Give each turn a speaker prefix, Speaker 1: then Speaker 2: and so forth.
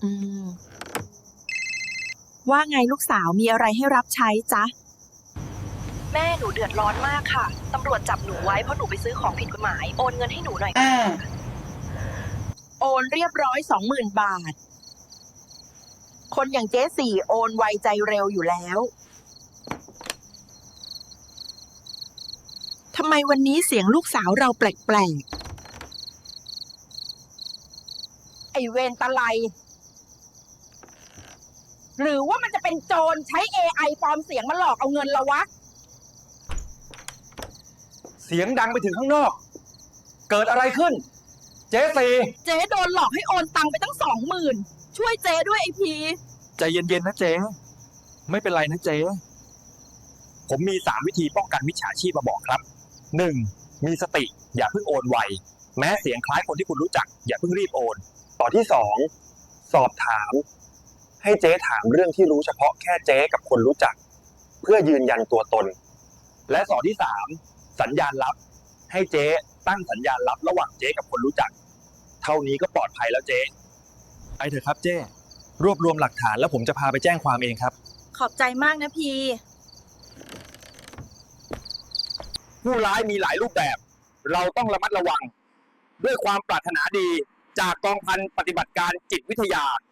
Speaker 1: อืมว่าไงลูกสาวมีอะไรให้รับใช้จ๊ะแม่หนูเดือดร้อนมากค่ะตำรวจจับหนูไว้เพราะหนูไปซื้อของผิดกฎหมายโอนเงินให้หนูหน่อยโอนเรียบร้อย 20,000 บาทคนอย่างเจ๊สี่โอนไวใจเร็วอยู่แล้วทำไมวันนี้เสียงลูกสาวเราแปลกๆไอเวรตะไลหรือว่ามันจะเป็นโจรใช้ AI ปลอมเสียงมาหลอกเอาเงินเราวะ
Speaker 2: เสียงดังไปถึงข้างนอกเกิดอะไรขึ้นเจ๊สี่
Speaker 1: เจ๊โดนหลอกให้โอนตังไปตั้ง 20,000ช่วยเจ๊ด้วยไอพี
Speaker 2: ใจเย็นๆนะเจ๊ไม่เป็นไรนะเจ๊ผมมี3 วิธีป้องกันมิจฉาชีพมาบอกครับ 1. มีสติอย่าเพิ่งโอนไวแม้เสียงคล้ายคนที่คุณรู้จักอย่าเพิ่งรีบโอนต่อที่2สอบถามให้เจ๊ถามเรื่องที่รู้เฉพาะแค่เจ๊กับคนรู้จักเพื่อยืนยันตัวตนและต่อที่3สัญญาณลับให้เจ๊ตั้งสัญญาณลับระหว่างเจ๊กับคนรู้จักเท่านี้ก็ปลอดภัยแล้วเจ๊ไปเถอะครับเจ๊รวบรวมหลักฐานแล้วผมจะพาไปแจ้งความเองครับ
Speaker 1: ขอบใจมากนะพี
Speaker 2: ผู้ร้ายมีหลายรูปแบบเราต้องระมัดระวังด้วยความปรารถนาดีจากกองพันปฏิบัติการจิตวิทยา